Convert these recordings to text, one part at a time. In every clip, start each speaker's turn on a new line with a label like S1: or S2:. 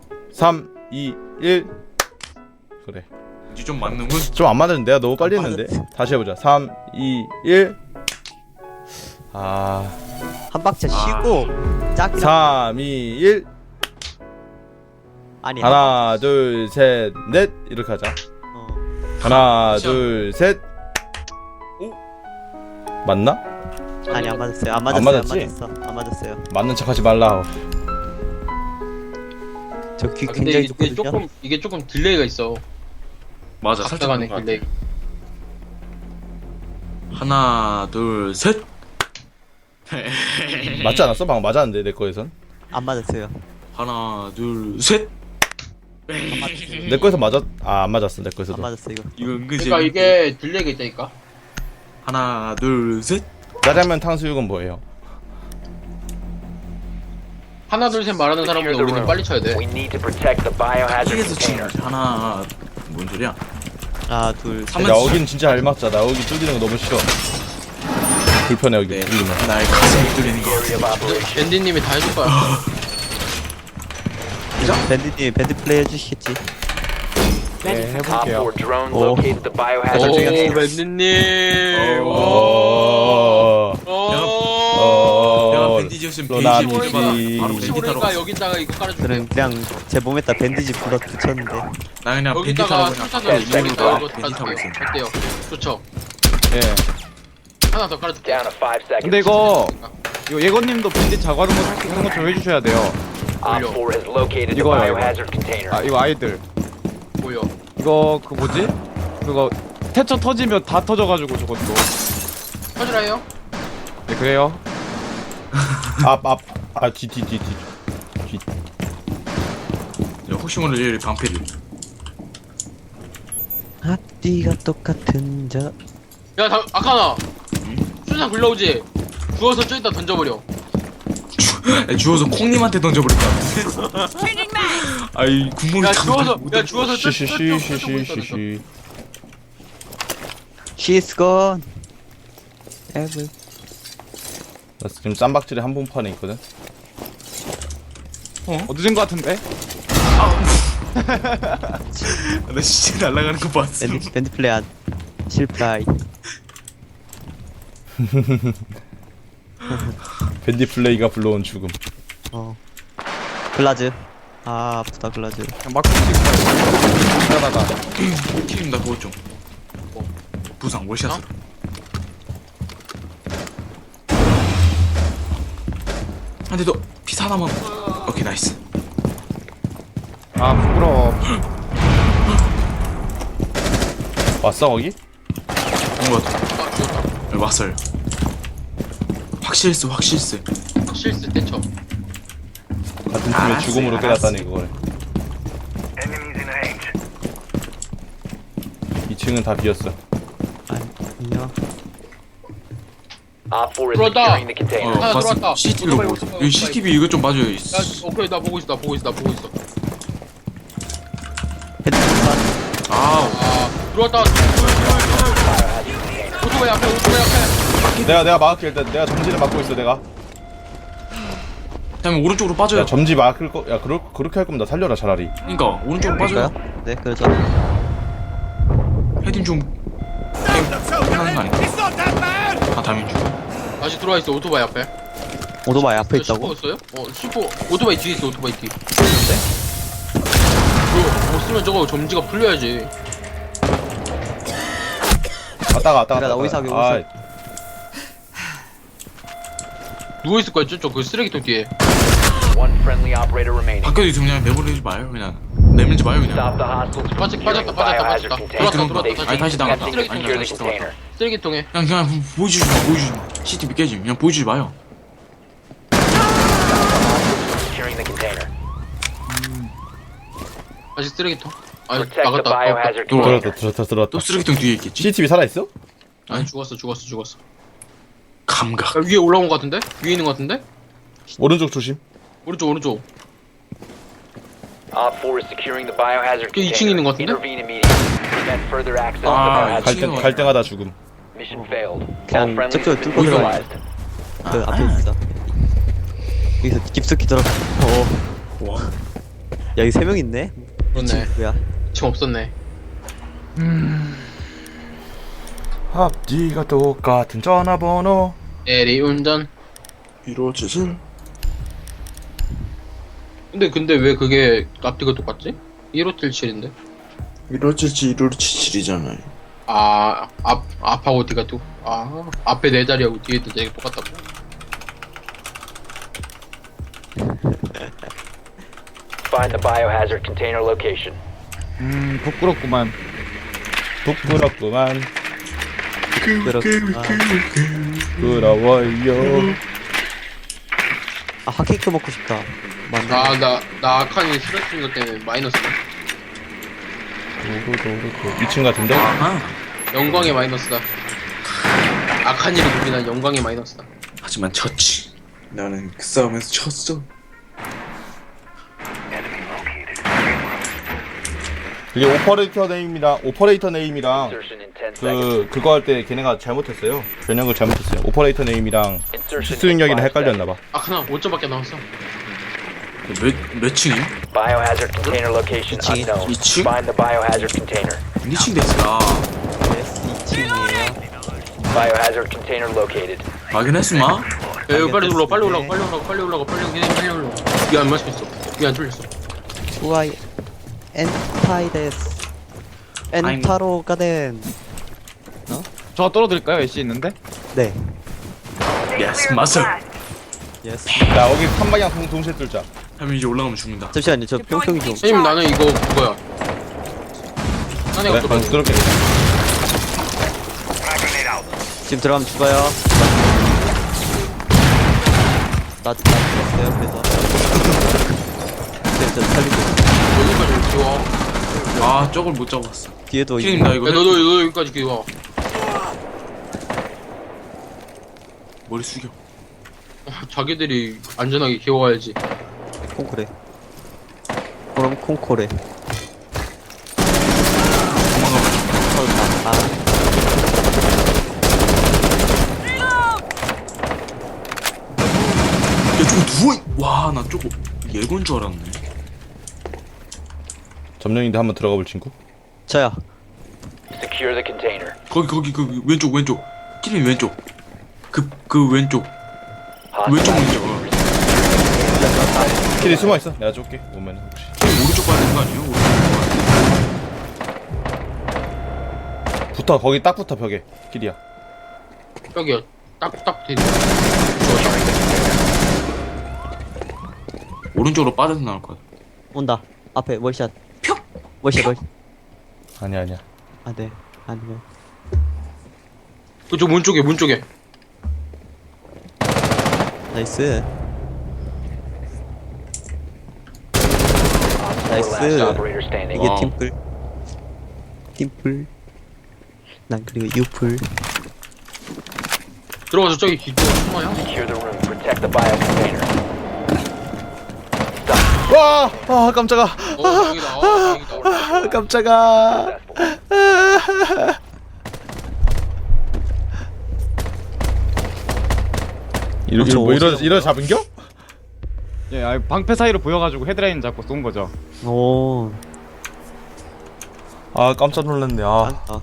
S1: 3, 2, 1. 그래.
S2: 이제 좀 맞는군.
S1: 좀 안 맞았는데 내가 너무 빨리 했는데. 다시 해보자. 3, 2, 1. 아.
S3: 한 박자 쉬고 짝이
S1: 3, 2, 1.
S3: 아니
S1: 하나, 둘, 셋, 넷. 이렇게 하자. 하나, 둘, 셋. 맞나?
S3: 아니 안 맞았어요. 안
S1: 안
S3: 맞았어요.
S1: 맞았지?
S3: 안 맞았어요.
S1: 맞는 척하지 말라.
S3: 저 귀
S4: 아, 근데
S3: 굉장히
S4: 이게
S3: 좋거든요.
S4: 조금 딜레이가 있어.
S2: 맞아, 살짝
S4: 각자간의
S2: 그런 거
S4: 딜레이.
S2: 같아. 하나, 둘, 셋.
S1: 맞지 않았어? 방금 맞았는데 내 거에선.
S3: 안 맞았어요.
S2: 하나, 둘, 셋.
S1: 내 거에서 맞았. 아, 안 맞았어. 내
S3: 안
S1: 거에서도.
S3: 맞았어 이거.
S2: 이거 은근히
S4: 그러니까 이게 딜레이가 있다니까.
S2: 하나, 둘, 셋.
S1: 짜장면 탕수육은 뭐예요?
S4: 하나 둘 셋 말하는 사람보다 우리는 빨리 쳐야 돼.
S5: We need to protect the biohazard
S2: 크게서 치는
S5: container.
S2: 거지. 하나, 뭔 소리야?
S3: 하나 둘 셋.
S2: 한번
S1: 야, 여긴 진짜 잘 맞자. 나 여기 뚫리는 거 너무 싫어. 불편해 여기
S2: 네,
S1: 뚫리면.
S2: 나의 가슴이 뚫리는 거.
S5: Area of operation.
S4: 밴디님이 다 해줄 거야.
S3: 밴드님 밴드 플레이 해주시겠지?
S1: 네,
S5: Op
S1: 해볼게요.
S5: 4 drone
S3: Oh.
S5: located the biohazard
S4: 오
S5: container.
S4: 밴디님.
S1: 어.
S2: 내가
S1: 어.
S2: 밴디지였으면
S1: 로나
S2: 베이지
S1: 미지.
S2: 바로
S4: 혹시
S2: 밴디 타러
S4: 모르니까
S2: 갔어.
S4: 여기다가 이거 깔아줄게요.
S3: 저는 그냥 제 몸에다 밴드지 불러 붙였는데.
S2: 나 그냥 밴디 타러
S4: 여기다가
S2: 그냥
S4: 술탄을
S5: 밴디
S4: 여기다가
S5: 타러
S4: 이거
S2: 밴디 타고 있어.
S4: 깔아줄게요. 어때요? 좋죠.
S1: 예.
S4: 하나 더 깔아줄게요.
S5: Down to 5 seconds.
S6: 근데 이거 예건님도 밴딧 자가는 거 살 수 있는 거 좀 해주셔야 돼요.
S5: Op 4 has located the
S6: 이거요, 이거.
S5: biohazard container.
S6: 아 이거 아이들
S4: 보여.
S6: 이거 그 뭐지? 그거 태초 터지면 다 터져가지고 저것도.
S4: 터지라요?
S6: 네 그래요.
S1: 뒤.
S2: 야, 혹시 모르는 방패를.
S3: 앞뒤가 똑같은 저.
S4: 야, 아카나. 수산 굴러오지. 주워서 저기다 던져버려.
S2: 주워서 콩님한테 던져버릴 거야. 아이 국물이
S4: 야,
S2: 참
S4: 주워서
S2: 많이
S1: 쉬쉬쉬쉬쉬쉬쉬.
S3: She's gone. Ever.
S1: 나 지금 쌈박질에 한 번판에 있거든.
S6: 얻어진 거 같은데?
S2: 나 진짜 날아가는 거 봤어.
S3: 밴드 플레이 안 실패.
S1: 밴디 플레이가 불러온 죽음.
S3: 글라즈. 아 아프다 글라즈.
S6: 그냥 막 치고 하다가
S2: 킬임 나 그거 좀. 부상 월샷으로. 한대 더 피사 하나만. 오케이 나이스.
S6: 아 부끄러워.
S1: 왔어 거기?
S2: 온거 같아. 여기 왔어요. 확실했어 확실했어.
S4: 실수 때 쳐.
S1: 같은 팀의
S2: 알았어,
S1: 죽음으로
S2: 알았어.
S1: 깨닫다니 그걸. 2층은 다 비었어.
S3: 아니요.
S5: Op 4 is
S4: 들어왔다.
S5: securing the container.
S4: 하나
S2: 봤어.
S4: 들어왔다.
S2: CCTV로 보고 있어. 여기 CCTV 이거 좀 봐줘요.
S4: 야, 오케이, 나 보고 있어.
S3: 밴드 플레이.
S2: 아우.
S4: 아, 들어왔다. 오토바이 앞에, 오토바이 앞에.
S1: 내가 막을게 일단. 내가 점지를 막고 있어 내가.
S2: 그다음에 오른쪽으로 빠져요.
S1: 야 점지 막을 거. 야 그렇게 할 거면 나 살려라 차라리.
S2: 그러니까 오른쪽으로 빠져요.
S3: 볼까요? 네 그러죠.
S2: 헤딩 좀 하는 거 아닌가? 아 다민 중.
S4: 다시 들어와 있어, 오토바이 앞에.
S3: 오토바이 앞에 있다고?
S4: 슈퍼였어요? 슈퍼. 오토바이 뒤에 있어, 오토바이 뒤. 그거 없으면 저거 점지가 풀려야지.
S1: 왔다가
S3: 그래, 나 오이사 하게,
S1: 아,
S3: 오이사.
S4: 누워있을 거야, 저쪽 그 쓰레기통 뒤에.
S5: One friendly operator remaining.
S2: 밖에도 있으면 그냥 내버리지 마요. 그냥 내밀지 마요 그냥.
S5: Stop the hostiles from securing the biohazard
S4: 빠졌다.
S5: container.
S4: 들어왔다.
S2: 아니 다시 나갔다.
S5: Investing to
S2: 아니
S5: secure
S2: 다시
S5: the
S2: 들어갔다.
S5: container.
S4: 쓰레기통에.
S2: 그냥 보여주지 마. 보여주지 마. CCTV 깨지. 그냥 보여주지 마요.
S5: Securing the container.
S4: 다시 쓰레기통. 아,
S5: Protect the
S4: 나갔다.
S5: biohazard
S2: 들어와.
S5: container.
S1: 들어왔다.
S2: 또 쓰레기통 뒤에 있겠지.
S1: CCTV 살아있어?
S4: 아니, 죽었어.
S2: 감각.
S4: 야, 위에 올라온 거 같은데? 위에 있는 거 같은데?
S1: 오른쪽 조심.
S4: 오른쪽.
S5: Op 4 is securing the biohazard
S4: 그 2층에 있는
S5: container.
S4: 거 같은데?
S5: Intervene immediately. Prevent further access to the
S2: 아,
S5: biohazard.
S1: 갈등하다 죽음.
S5: Mission failed. All
S3: 그냥
S5: friendlies
S3: 저쪽을
S5: have been
S3: 뚫고 들어가야
S5: neutralized.
S3: 그 앞에 있어. 여기서 깊숙이 들어가. 여기 3명 있네.
S4: 그렇네.
S3: 뭐야?
S4: 지금 없었네.
S1: 앞뒤가 똑같은 전화번호.
S4: 대리운전.
S2: 이루어지질.
S4: 근데 왜 그게 앞뒤가 똑같지? 1577인데.
S2: 이루어질지 이루어지질이잖아요.
S4: 앞하고 뒤가 또. 앞에 4자리하고 뒤에 4자리가 똑같다고.
S5: Find the biohazard container location.
S6: 부끄럽구만.
S1: 부끄럽구만.
S3: 그렇구나.
S1: 부끄러워요.
S3: 아 핫케이크 먹고 싶다. 맞네.
S4: 나 아칸이 쓰러진 것 때문에 마이너스네.
S1: 도로도로 2층 같은데?
S2: 아하.
S4: 영광의 마이너스다. 아칸이를 누비난 영광의 마이너스다.
S2: 하지만 졌지. 나는 그 싸움에서 졌어.
S1: 그게 오퍼레이터 네임이랑 오퍼레이터 네임이랑
S5: Insertion in 10 seconds.
S1: 그거 할 때 걔네가 잘못했어요. 변형을 잘못했어요. 오퍼레이터 네임이랑
S5: Insertion
S1: 실수
S5: in
S1: 능력이랑
S5: 5
S1: 헷갈렸나봐.
S4: 아칸아 5점밖에 나왔어.
S2: 몇 층임?
S5: Biohazard container location
S3: 이층.
S5: unknown.
S2: 이층?
S5: Find the biohazard container.
S2: 2층 됐어.
S3: 예스 2층이에요.
S5: Biohazard container located.
S2: 확인했으마?
S4: 야, 이거 빨리 올라가, 빨리 올라가, 빨리 올라가. 위안 맞췄어. 위안 뚫렸어.
S3: 우아이 엔타이데스. 엔타로 가덴.
S6: 저 떨어뜨릴까요? 애쉬 있는데?
S3: 네.
S2: 예스 맞어.
S3: 예스.
S1: 자, 여기 3방향 동시에 뚫자.
S2: 하면 이제 올라가면 죽는다.
S3: 잠시만요. 저 뿅뿅이 좀.
S4: 선생님 나는 이거 그거야. 딴 애가
S1: 그래?
S4: 뚫어.
S1: 방금 뚫을게.
S3: 지금 들어가면 죽어요. 나 죽었어요. 그래서. 네, 저 살리고.
S4: 여기까지 기와.
S2: 아 저걸 못 잡았어.
S3: 뒤에도
S2: 킬님 나 이거
S4: 야 너도 여기까지 기와.
S2: 머리 숙여.
S4: 자기들이 안전하게 기와야지.
S3: 콩코레. 그럼 콩코레.
S2: 도망가면
S3: 아.
S2: 야 저거 누워. 와나 저거 예고인 줄 알았네.
S1: 점령인데 한번 들어가 볼 친구.
S3: 저야.
S5: Secure the container.
S2: 거기 그 왼쪽. 킬님 왼쪽. 그 왼쪽. 왼쪽
S5: Hostile
S2: 문이죠.
S1: 길이 숨어 있어. 내가 쏠게. 오면 혹시.
S2: 킬님 오른쪽 봐야 되는 거 아니에요? 오른쪽 봐야
S1: 붙어. 거기 딱 붙어 벽에. 길이야.
S4: 여기야. 딱 뒤에.
S2: 오른쪽으로 빠져서 나올 거야.
S3: 온다. 앞에 월샷. 월샷.
S1: 아니야.
S3: 아 네. 아니면.
S4: 그쪽 문 쪽에.
S3: 나이스.
S5: last
S3: 나이스.
S5: operator standing.
S3: 이게
S2: 와우.
S3: 팀플. 난 그리고 유플.
S4: 들어가서 저기 뒤쪽 숨어요.
S5: Secure the room. Protect the bio container.
S1: 와! 아, 깜짝아.
S4: 다행이다. 다행이다.
S1: 깜짝아.
S5: Successful.
S1: 이러 잡은겨?
S6: 예, 아니, 방패 사이로 보여가지고 헤드라인 잡고 쏜 거죠.
S3: 오.
S1: 아, 깜짝 놀랐네. 아.
S3: 아.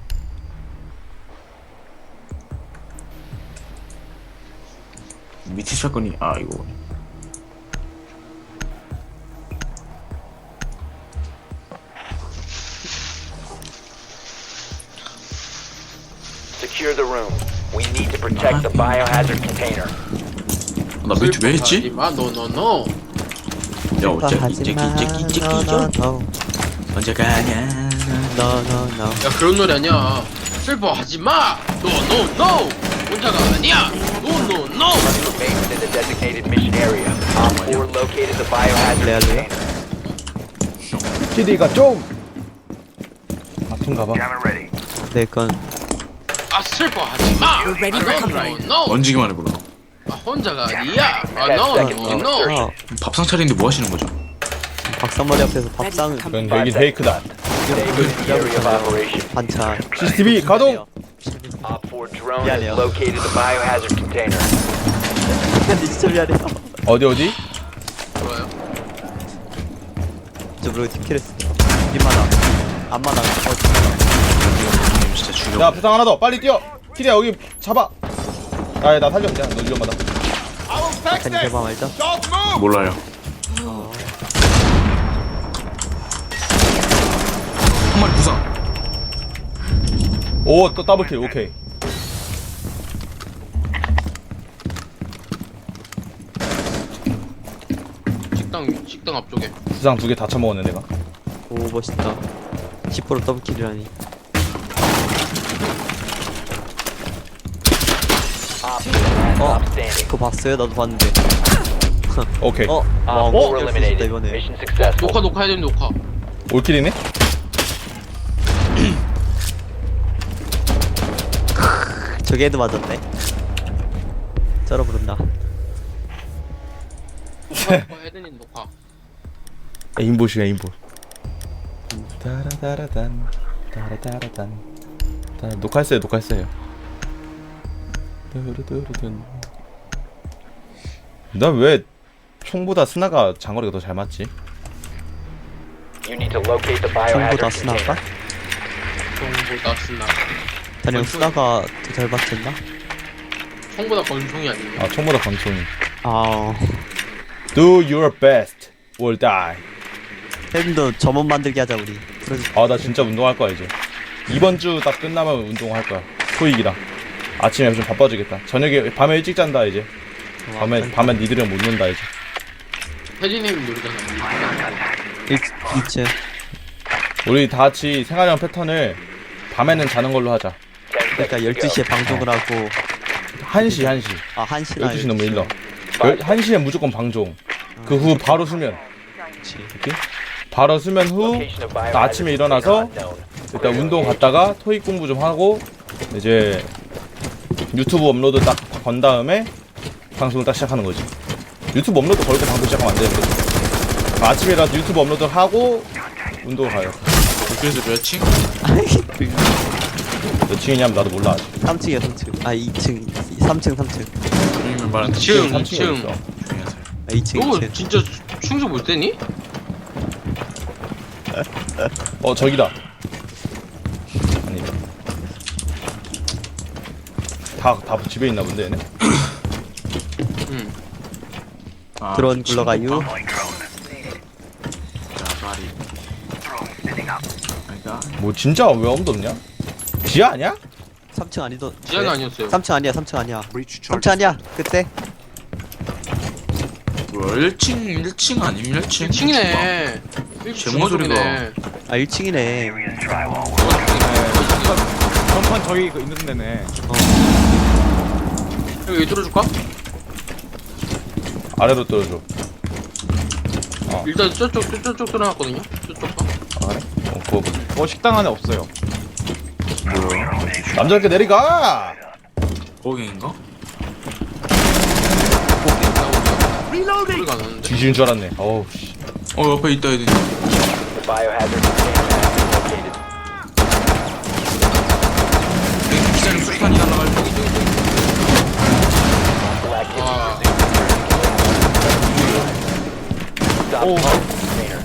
S2: 밑에 샷건이 이거.
S5: Secure the room. We need to protect the biohazard container.
S2: 나 멘트 왜 했지?
S4: 하지마, no.
S2: 야 어째
S3: 하지마.
S2: 이제끼 언제 가냐?
S3: No.
S4: 야 그런 노래 아니야. 슬퍼하지마. No. 혼자가 아니야. No.
S5: Remain within the designated mission area. Op 4 located the biohazard
S3: Lea.
S5: container.
S1: 길이가 좀 아픈가 봐.
S3: 네, 그건
S4: 아 슬퍼하지마. No.
S2: 얹기만 해보라.
S4: 혼자가 아니야. No.
S2: 밥상 차리는데 뭐 하시는 거죠?
S3: 박사머리 앞에서 밥상을
S1: 그건 여기 페이크다.
S5: Stay within the area of operation.
S3: 반찬.
S1: CCTV 가동.
S5: Op 4 drone
S3: Yeah,
S5: has
S3: yeah.
S5: located the biohazard container.
S3: 진짜 미안해요.
S1: 어디?
S4: 좋아요.
S3: 줄 모르고 뒷킬했어. 뒷마당. 앞마당. 뒷마당.
S2: 형님 진짜 죽여.
S1: 야 부상 하나 더 빨리 뛰어. 키리야 여기 잡아. 나 살려 그냥 너 위험하다.
S3: 약간 개방 알자.
S2: 몰라요. 한 마리 부상.
S1: 오 또 더블킬 오케이.
S4: 식당 앞쪽에.
S1: 부상 2개 다 처먹었네 내가.
S3: 오 멋있다. 10% 더블킬이라니.
S5: Op 4 last stop standing.
S3: 그거 봤어요? 나도 봤는데.
S1: 오케이.
S3: 와,
S5: Op 4
S3: 어?
S5: eliminated.
S3: 이번에.
S5: Mission successful.
S4: 녹화해야 되는 녹화.
S1: 올킬이네.
S3: 저게도 맞았네. 쩔어부른다.
S4: 녹화해야 되는 녹화.
S1: 에임봇이야 에임봇. 따라따라단 따라따라단. 녹화했어요. 난 왜 총보다 스나가 장거리가 더 잘 맞지?
S5: You need to locate the biohazard
S3: 전부 다 스나가?
S5: container.
S4: 총보다 쓴다.
S3: 단연 스나가 더 잘 맞췄나?
S4: 총보다 권총이 아니에요.
S1: 아 총보다 권총이.
S3: 아,
S1: Do your best or die.
S3: 팬도 점원 만들기 하자 우리. 프로젝트.
S1: 아 나 진짜 운동할 거야 이제. 이번 주 딱 끝나면 운동할 거야. 토익이랑. 아침에 좀 바빠지겠다. 저녁에 밤에 일찍 잔다 이제. 밤에 니들이랑 못 논다 이제.
S4: 혜진님이 노리잖아요.
S3: 2층.
S1: 우리 다 같이 생활형 패턴을 밤에는 자는 걸로 하자.
S5: 10
S3: 그러니까
S5: seconds to
S3: 12시에 방송을 하고
S1: 1시.
S3: 아 1시나
S1: 12시 너무 일러. 1시에 무조건 방송. 그 후 바로 수면. 오케이? 바로 수면 후
S5: Location of
S1: 나
S5: biohazard
S1: 아침에 일어나서
S5: unknown.
S1: 일단 운동 갔다가 토익 공부 좀 하고 이제 유튜브 업로드 딱 건 다음에 방송을 딱 시작하는 거지. 유튜브 업로드 걸고 방송 시작하면 안 되는데. 아침에라도 유튜브 업로드 하고 운동 가요.
S2: 그래서 몇 층?
S1: 몇 층이냐면 나도 몰라 아직.
S3: 3층이야 3층. 아 2층 3층 3층.
S2: 형님은 말한
S4: 2층,
S1: 3층에
S4: 2층.
S1: 있어.
S2: 조용히 하세요.
S3: 아 2층
S4: 너
S3: 2층.
S4: 진짜 충수 못 되니?
S1: 저기다. 아니. 다 집에 있나 본데 얘네.
S4: 응.
S2: 아,
S3: 드론 굴러가유.
S2: 자, 말이. 그러니까
S1: 뭐 진짜 왜 아무도 없냐? 지하 아니야?
S3: 3층 아니던.
S4: 지하가 아니었어요.
S3: 3층 아니야 3층 아니야. 3층 아니야. 그때.
S2: 뭐 1층 아니면 1층?
S4: 1층이네.
S2: 제목 소리가.
S3: 아 1층이네.
S6: 전판 저기 그 있는 데네.
S4: 여기 뚫어줄까?
S1: 아래로 떨어져.
S4: 일단 저쪽 뚫어놨거든요. 저쪽 봐.
S1: 아 그래? 그거
S6: 식당 안에 없어요.
S2: 뭐야?
S1: 남자답게 내리가.
S2: 거기인가?
S4: 소리가 안 나는데.
S1: 뒤지는 줄 알았네. 어우 씨.
S2: 옆에 있다 애들.
S5: The biohazard container has been located.
S2: 여기 기자님 수탄이 날라갈 때.
S5: Black
S4: 아,
S5: Stop the container.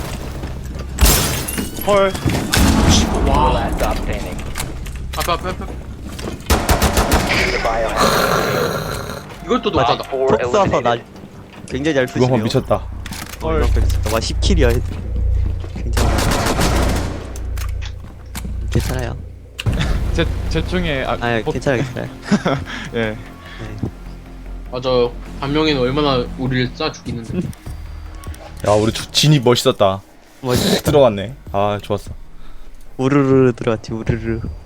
S6: 헐.
S5: Last stop standing.
S4: 앞에.
S5: The biohazard
S4: 이것도 녹화다.
S5: container.
S3: 톡 쏴서 나
S5: eliminated.
S3: 굉장히 잘
S1: 이거
S3: 쏘시네요.
S1: 한번 미쳤다.
S3: 와 10킬이야. 괜찮아. 괜찮아요.
S6: 제 총에
S3: 아 괜찮아요.
S6: 예.
S3: 네.
S4: 맞아. 반명이는 얼마나 우리를 쏴 죽이는데.
S1: 야 우리 진입 멋있었다.
S3: 뭐
S1: 들어갔네. 아 좋았어.
S3: 우르르 들어갔지 우르르.